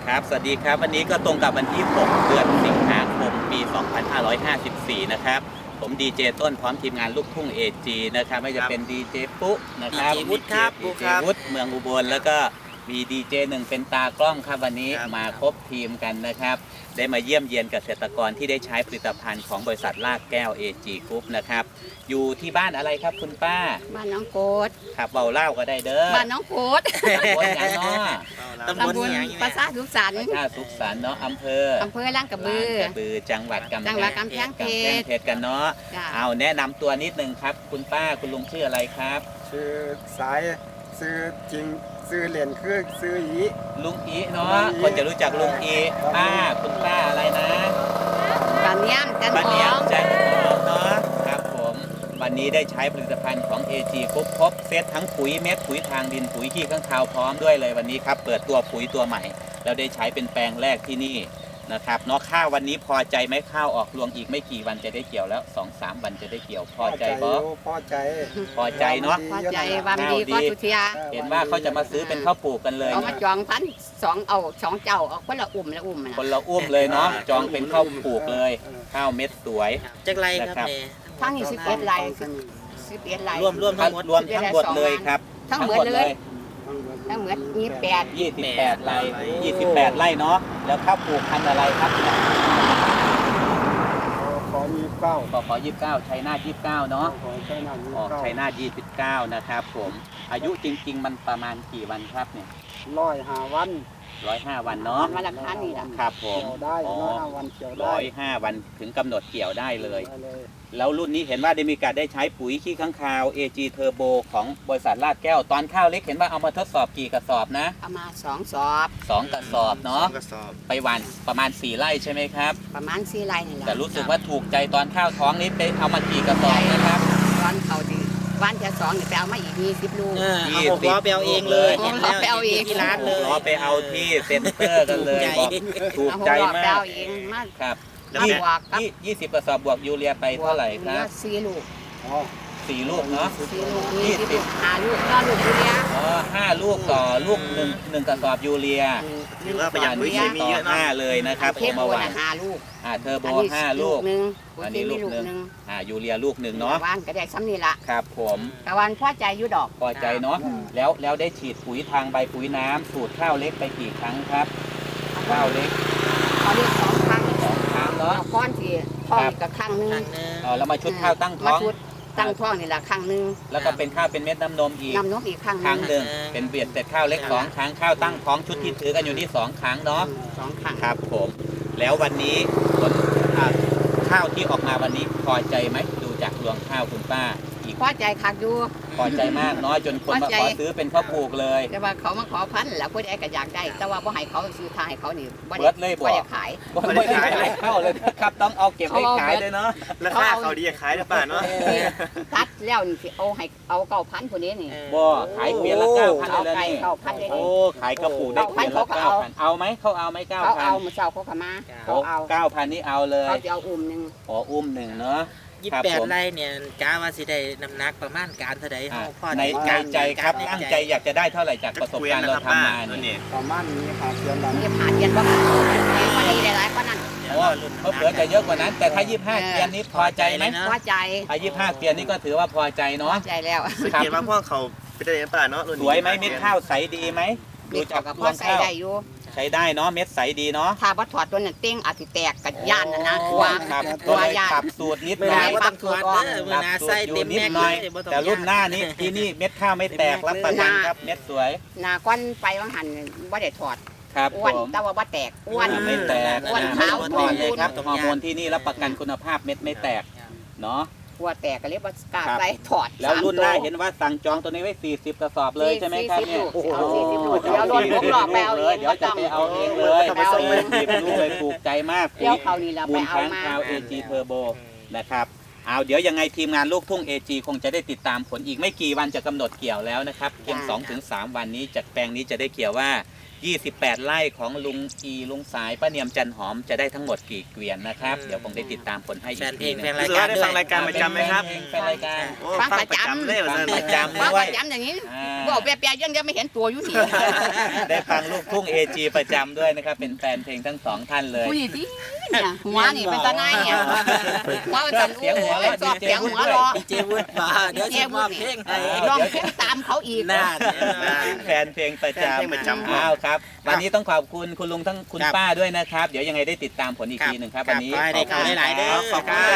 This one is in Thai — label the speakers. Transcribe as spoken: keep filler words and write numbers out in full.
Speaker 1: ครับสวัสดีครับวันนี้ก็ตรงกับวันที่หกเดือนสิงหาคมปีสองพันห้าร้อยห้าสิบสี่นะครับผมดีเจต้นพร้อมทีมงานลูกทุ่ง เอ จี นะครับไม่จะเป็นดีเจปุ๊นะครับ
Speaker 2: ดีเจวุฒิครับ
Speaker 1: ดีเจวุฒิเมืองอุบลแล้วก็มีดีเจหนึ่งเป็นตากล้องครับวันนี้มาครบทีมกันนะครับได้มาเยี่ยมเยียนเกษตรกรที่ได้ใช้ผลิตภัณฑ์ของบริษัทลากแก้ว เอ จี Group นะครับอยู่ที่บ้านอะไรครับคุณป้า
Speaker 3: บ้านน้องโกด
Speaker 1: ครับเบาเล่าก็ได้เด้อ
Speaker 3: บ้านน้องโกด
Speaker 1: บนอย่างเนาะ
Speaker 2: ตำบล
Speaker 3: ตำบล
Speaker 2: อย่างนี้
Speaker 3: ปราสาทสุขสันต์
Speaker 1: ประชาสุขสันต์เนาะอำเภอ
Speaker 3: อำเภอล่างกระบือ
Speaker 1: ลานกระบือจังหวัดกำแพ
Speaker 3: จังหวัดกำแพงเพชร
Speaker 1: กำแพงเพชรกันเนาะ
Speaker 3: จ้ะ
Speaker 1: เอาแนะนำตัวนิดนึงครับ คุณป้าคุณลุงชื่ออะไรครับ
Speaker 4: ชื่อสายซื้อจริงซื้อเหรียญคือซื้ออี
Speaker 1: ลุงอีเนาะ
Speaker 4: ลุงอี
Speaker 1: คนจะรู้จักลุงอีป้าคุณป้าอะไรนะ
Speaker 3: ปานเนียมจัน
Speaker 1: ป้า
Speaker 3: ท
Speaker 1: เนีย
Speaker 3: อ
Speaker 1: ม
Speaker 3: ง
Speaker 1: จันทองเนาะครับผมวันนี้ได้ใช้ผลิตภัณฑ์ของ เอ จี ครบครบเซตทั้งปุ๋ยเม็ดปุ๋ยทางดินปุ๋ยขี้ข้างคาวพร้อมด้วยเลยวันนี้ครับเปิดตัวปุ๋ยตัวใหม่เราได้ใช้เป็นแปลงแรกที่นี่นะครับเนาะข้าววันนี้พอใจไหมข้าวออกรวงอีกไม่กี่วันจะได้เกี่ยวแล้ว สองสาม วันจะได้เกี่ยวพอใจบ่
Speaker 4: อยู่พอใจ
Speaker 1: พอใจเนาะ
Speaker 3: พอใจวันดีก็สุเทีย
Speaker 1: เห็นว่าเขาจะมาซื้อเป็นข้าวปลูกกันเลย
Speaker 3: เอามาจองพันสองเอาสองเจ้าเอาคนละอุ่มละอุ่มนะ
Speaker 1: คนละอุ้มเลยเนาะจองเป็นข้าวปลูกเลยข้าวเม็ดสวย
Speaker 2: จักไรครับ
Speaker 1: นะครับ
Speaker 2: แม่
Speaker 3: ทั้งนี้สิบเอ็ดลายสิบเอ็ดลาย
Speaker 2: รวมรวมทั้งหมด
Speaker 1: รวมทั้งหมดเลยครับ
Speaker 3: ทั้งหมดเลย ทั้งหมดยี่สิบแปด
Speaker 1: ยี่สิบแปดไร่ยี่สิบแปดไร่เนาะแล้วข้าวปลูกพันธุ์อะไรครับ
Speaker 4: ขอมีเก้า
Speaker 1: ขอขอยี่สิบเก้าชัยนาทยี่สิบเก้าเนาะ
Speaker 4: ขอใช้หน้ามี
Speaker 1: ออก
Speaker 4: เก้า
Speaker 1: ชัยนาทยี่สิบเก้านะครับผมอายุจริง ๆ มันประมาณกี่วันครับเนี่ย
Speaker 4: ร้อยห้าวัน
Speaker 1: ร้อยห้าวันเนาะ
Speaker 3: วันละพันนี่แหละ
Speaker 1: ครับผม
Speaker 4: เกี่ยวได้
Speaker 1: อ๋อ
Speaker 4: ร้อยห้าวันเกี่ยวได้
Speaker 1: ร้อยห้าวันถึงกำหนดเกี่ยวได้เลย
Speaker 4: ได้เลย
Speaker 1: แล้วรุ่นนี้เห็นว่าได้มีการได้ใช้ปุ๋ยขี้ข้างคาว เอ จี Turbo ของบริษัทลาดแก้ว ตอนข้าวเล็กเห็นว่าเอามาทดสอบกี่กระสอบนะ
Speaker 3: เอามาสองสอบ
Speaker 1: สองกระสอบเนาะ
Speaker 2: สองกระสอบ
Speaker 1: ไปหวันประมาณสี่ไร่ใช่ไหมครับ
Speaker 3: ประมาณสี่ไร่นี่แหละ
Speaker 1: แต่รู้สึกว่าถูกใจตอนข้าวท้องนี้ไปเอามากี่กระสอบนะครับ
Speaker 3: ตอนเขาดีวันจะสองเดี๋ยวไปเอามาอีกยี่สิบลูก
Speaker 2: เออเอาหกล้อไปเอาเองเลย
Speaker 3: หกล้อไปเอาเอง
Speaker 2: ที่ร้านเลย
Speaker 1: รอไปเอาที่เซ็นเตอร์กันเลย
Speaker 2: ใหญ่
Speaker 1: บอกถูก
Speaker 3: เอาห
Speaker 1: ใจ
Speaker 3: กล้อไป
Speaker 1: มา
Speaker 3: เอา
Speaker 1: ก
Speaker 3: เองมา
Speaker 1: ครับ
Speaker 3: มาบวกกับ
Speaker 1: ยี่ยี่สิบกระสอบบวกยูเรียไปเท่าไหร่ครับ
Speaker 3: สี่ลูก
Speaker 4: อ๋อ
Speaker 1: สี่ลูกเนาะ
Speaker 3: สี่ลูกนี่สิบลูกห้าลูกก็ลูกยูเรีย
Speaker 1: อ๋อห้าลูกต่อลูกหนึ่งหนึ่งกระสอบยูเรีย
Speaker 2: ถือว่าประหยัดปุ๋ยเคมีเยอะ
Speaker 1: ต่อ
Speaker 2: เนาะ
Speaker 1: ห้าเลยนะครับ
Speaker 3: เท
Speaker 1: ผม
Speaker 3: โบ
Speaker 1: มาหวา
Speaker 3: นะ
Speaker 1: น
Speaker 3: ห้าลูก
Speaker 1: อ่าเทอร์โบ
Speaker 3: อันนี้
Speaker 1: ห้าลูก
Speaker 3: หนึ่ง
Speaker 1: อันนี้ลูกหนึ่ง
Speaker 3: หนึ่ง
Speaker 1: อ่ายูเรียลูกหนึ่งเนาะ
Speaker 3: วานก็ได้ซ้ำนี่ละ
Speaker 1: ครับผม
Speaker 3: ตะวันพ่อใจอยุดอก
Speaker 1: พอใจเนาะแล้วแล้วได้ฉีดปุ๋ยทางใบปุ๋ยน้ำสูตรข้าวเล็กไปกี่ครั้งครับ ข้าวเล็ก
Speaker 3: เขาเรียกสองครั้ง
Speaker 1: สองครั้งเนาะ
Speaker 3: เอาก้อนที่ท้องกับครั้งหนึง
Speaker 2: ครั้งหนึง
Speaker 1: เออแล้วมาชุดข้าวตั้งท้อง
Speaker 3: มาชุดตั้งท้องนี่ละครั้งหนึง
Speaker 1: แล้วก็เป็นข้าวเป็นเม็ดน้ำนมอีก
Speaker 3: นำนกอีกครั้งห
Speaker 1: ครั้ง
Speaker 3: นึง
Speaker 1: หนึ่งเป็นเบียดเสร็จข้าวเล็กสองครั้งข้าวตั้งท้องชุดที่ถือกันอยู่ที่สองครั้งเนาะ
Speaker 3: สองครั้ง
Speaker 1: ครับผมแล้ววันนี้ผลอ่าข้าวที่ออกมาวันนี้พอใจไหมดูจากรวงข้าวคุณป้าอีก
Speaker 3: พ่อใจคักอยู่
Speaker 1: พอใจมากเนาะจนคนมา
Speaker 3: พอใจ
Speaker 1: ขอซื้อเป็นข้าวปลูกเลย
Speaker 3: แต่ว่าเขามาขอพันธุ์แล้วผู้ใดก็อยากได้ แต่ว่าบ่ให้เขาซื้อทางให้เขานี่บ่
Speaker 1: เบิ
Speaker 3: ได้
Speaker 1: ดเลยบ
Speaker 3: บ่
Speaker 1: อก
Speaker 3: ได้ขาย
Speaker 1: ไม่ได้ขายข้าวเลยนะครับต้องเอาเก็บไว้ขายเลยเนาะ
Speaker 2: ราคาเขาดีขายหรือเปล่าเนาะ
Speaker 3: ตัดแล้วนี่สิเอาให้เอาเก้าพันผู้นี้นี่
Speaker 1: บ่ขายเปลี่ยนละเก้าพัน
Speaker 3: เอา
Speaker 1: เลย
Speaker 3: ไก่
Speaker 1: นี่
Speaker 3: เก้าพันเลย
Speaker 1: โอ้
Speaker 3: นี่
Speaker 1: ขายกระปุกได้เปลี่ยนละ
Speaker 3: เขา
Speaker 1: เก้า
Speaker 3: เอา
Speaker 1: พันเอาไหมเขาเอาไหมเก้า
Speaker 3: เขา
Speaker 1: พั
Speaker 3: เอา
Speaker 1: น
Speaker 3: มาเช้าเขาก็มา
Speaker 1: โอ้
Speaker 3: เขาเอา
Speaker 1: เก้าพันนี่เอาเลย
Speaker 3: เขาจะเอาอุ่มหนึง
Speaker 1: อ๋ออุ้มหนึ่งเนาะ
Speaker 2: ยี่
Speaker 1: ครั
Speaker 2: สิ
Speaker 1: บบ
Speaker 2: แปด
Speaker 1: ผม
Speaker 2: ไร่เนี่ยกาว่าสิได้น้ำหนักประมาณการเท่าใด
Speaker 1: อ่า
Speaker 2: เฮาพ่อ
Speaker 1: ในในใจครับตั้งใจอยากจะได้เท่าไหร่จากประสบการณ์เราทำมาเนี่ย
Speaker 4: ประมาณนี้ครับเดือนละ
Speaker 3: นี่ผ่านเย็นบ่ผ่านแพงกว่านี้หลายๆกว่านั้น
Speaker 1: โอ้เขาเผื่อจะเยอะกว่านั้น แต่ถ้ายี่สิบห้าเกียร์นี้พอใจไหม
Speaker 3: พอใจ
Speaker 1: ถ้ายี่สิบห้าเกียร์นี้ก็ถือว่าพอใจ
Speaker 3: พ
Speaker 1: เนาะ
Speaker 3: อใจแล้ว
Speaker 2: สังเกตว่าพวกเขาเป็นได้ป่าเนาะรุ่น
Speaker 1: ส
Speaker 2: นี้
Speaker 1: วยไหมเม็ดข้าวใสดีไหมดู
Speaker 3: มี
Speaker 1: จาก
Speaker 3: กับ
Speaker 1: ร
Speaker 3: พ
Speaker 1: ว
Speaker 3: อง ใส่
Speaker 1: ข้าว
Speaker 3: ได้อยู่
Speaker 1: ใช้ได้เนาะเม็ดใสดีเนาะ
Speaker 3: ถ้าบ่ถอดตัวนั้นเต้งอาจสิแตกกับย่านน่ะนะกลัว
Speaker 1: ครับ
Speaker 3: ก
Speaker 1: ก็
Speaker 3: ลัว
Speaker 1: เลย
Speaker 3: ย่าน
Speaker 1: ปรับสูตรนิด
Speaker 2: เมื่อ
Speaker 1: ห
Speaker 2: ห
Speaker 1: น่
Speaker 2: นา
Speaker 1: อย
Speaker 2: บ่ต้องถอดเด้อเมื่อหนาใส่เต็ม
Speaker 1: นิด
Speaker 2: แม็ก
Speaker 1: ห
Speaker 2: เล
Speaker 1: น่อย
Speaker 2: ยบ่ต้อง
Speaker 1: แต่รุ่นหน้านี้ที่นี่เม็ดข้าวไม่แตกรับประกันครับเม็ดสวย
Speaker 3: หน้าก้อนไปว่างหันบ่ได้ถอด
Speaker 1: ครับ
Speaker 3: อ้
Speaker 1: ผ
Speaker 3: วน
Speaker 1: ม
Speaker 3: แต่ว่าบ่แตกอ้วน
Speaker 1: ไม่แตก
Speaker 3: อ้วน
Speaker 1: ไม่
Speaker 3: ขาว
Speaker 1: ต้องถอดเลยครับฮอร์โมนที่นี่รับประกันคุณภาพเม็ดไม่แตกเนาะ
Speaker 3: กลัวแตกก็เลยบ่กล้า
Speaker 1: ครับ
Speaker 3: ใส่ถอด
Speaker 1: แล้วรุ่นหน้า
Speaker 3: สมตัว
Speaker 1: เห็นว่าสั่งจองตัวนี้ไว้สี่สิบกระสอบเลยใช่ไหมครับเนี่ย
Speaker 3: สี่สิบลูกเอาสี่สิบลูกเดี๋ยวรถผมหลอกไปเอาเอง
Speaker 1: เดี๋ยวจะไปเอาเองเลย
Speaker 3: ไปเอาเอง
Speaker 1: สี่สิบลูกเลยถูกใจมาก
Speaker 3: เดี๋ยวเขานี่เรา
Speaker 1: มู
Speaker 3: ไป
Speaker 1: ล
Speaker 3: เอา
Speaker 1: ค้าง
Speaker 3: มา
Speaker 1: คาว เอ จี Turbo นะครับเอาเดี๋ยวยังไงทีมงานลูกทุ่ง เอ จี คงจะได้ติดตามผลอีกไม่กี่วันจะกำหนดเกี่ยวแล้วนะครับเพียง
Speaker 3: จ้า
Speaker 1: สองถึงสาม วันนี้จากแปลงนี้จะได้เกี่ยวว่ายี่สิบแปดไร่ของลุงอีลุงสายป้าเนียมจันหอมจะได้ทั้งหมดกี่เกวียนนะครับเดี๋ยวผมได้ติดตามผลให้อี
Speaker 2: แฟ
Speaker 1: ก
Speaker 2: นเพล
Speaker 1: ที
Speaker 2: ง
Speaker 1: หนึ
Speaker 2: แฟน
Speaker 1: ง
Speaker 2: ราย รู้สึกการว่าได้ด้วยฟังรายการประจำไหมครับ
Speaker 1: แฟนรายการ
Speaker 2: โอ้ฟังประจำเลยเหรอ
Speaker 1: ฟังประจำ
Speaker 3: ว่า
Speaker 1: ด้วย
Speaker 3: ประจำอย่างนี้
Speaker 1: อ่า
Speaker 3: บอกแปลๆยังจะไม่เห็นตัวอยู่นี่
Speaker 1: ได้ฟังลูกทุ่ง เอ จี ประจำด้วยนะครับ เป็นแฟนเพลงทั้งสองท่านเลย
Speaker 3: ผู้หญิงที่เนี่ยหัวนี่เป็นตาหน้าเนี่ยหัวเป็นตา
Speaker 1: เสียงหัวเราะ
Speaker 3: ชอบ
Speaker 1: ดีเจ
Speaker 3: เสียง
Speaker 1: วุฒิ
Speaker 3: หัว
Speaker 1: ด้วย
Speaker 3: เราะ
Speaker 2: เจวุฒิมาเดี๋ยวจะมาเพลงให้
Speaker 3: ร้องเพลงตามเขาอีก
Speaker 2: น่า
Speaker 1: แฟนเพลงประจ
Speaker 2: แฟนเพลงประจำ
Speaker 1: ำอ้าวครับ วันนี้ต้องขอบคุณคุณลุงทั้งคุณ
Speaker 2: ครับ
Speaker 1: ป้าด้วยนะครับ เดี๋ยวยังไงได้ติดตามผลอีกทีหนึ่งครับ วันนี้
Speaker 2: ขอให้ได้ข่าวหลายๆเด้อ
Speaker 1: ขอบคุณ